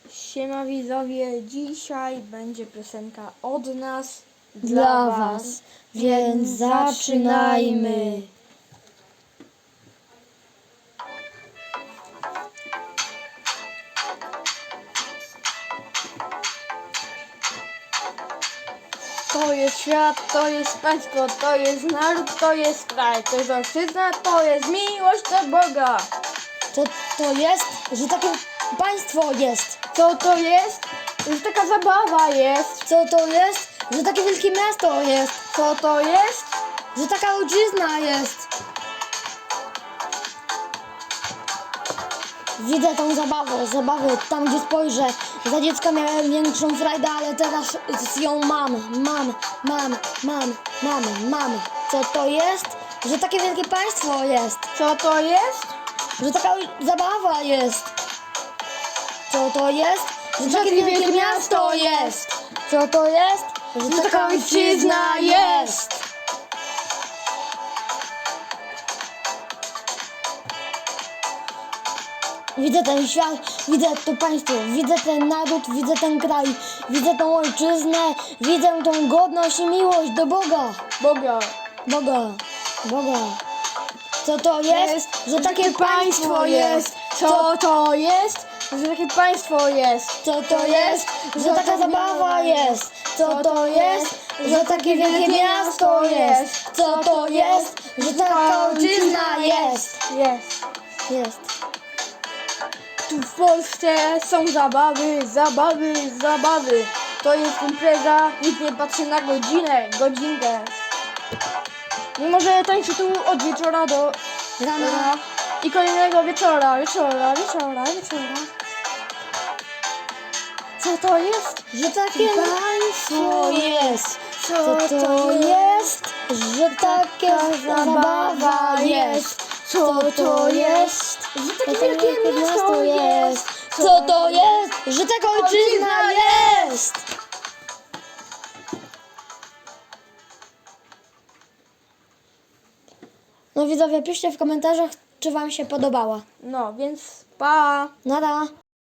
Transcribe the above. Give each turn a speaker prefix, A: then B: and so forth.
A: Siema widzowie, dzisiaj będzie piosenka od nas
B: dla was, więc zaczynajmy.
A: To jest świat, to jest państwo, to jest naród, to jest kraj, to jest ojczyzna, to jest miłość do Boga.
B: Co to jest, że takie państwo jest?
A: Co to jest? Że taka zabawa jest.
B: Co to jest, że takie wielkie miasto jest?
A: Co to jest?
B: Że taka ojczyzna jest? Widzę tą zabawę, tam gdzie spojrzę. Za dziecka miałem większą frajdę, ale teraz ją mam. Co to jest, że takie wielkie państwo jest?
A: Co to jest?
B: Że taka zabawa jest? Co to jest, że takie wielkie miasto jest? Co to jest, że taka ojczyzna jest? Widzę ten świat, widzę to państwo, widzę ten naród, widzę ten kraj, widzę tą ojczyznę, widzę tą godność i miłość do Boga.
A: Boga.
B: Co to jest, że takie państwo jest?
A: Co to jest? Że takie państwo jest.
B: Co to jest, że taka zabawa jest? Co to jest, że takie wielkie miasto jest? Co to jest, że taka ojczyzna jest? Jest.
A: Tu w Polsce są zabawy. To jest impreza, nikt nie patrzy na godzinkę. Mimo że tańczy tu od wieczora do
B: Rana.
A: i kolejnego wieczora. Co to jest?
B: Że takie państwo jest. Co to jest, że taka zabawa jest? Co to jest, że takie wielkie miasto jest? Co to jest, że taka ojczyzna jest? No widzowie, piszcie w komentarzach, czy wam się podobała.
A: No, więc pa!
B: Nada.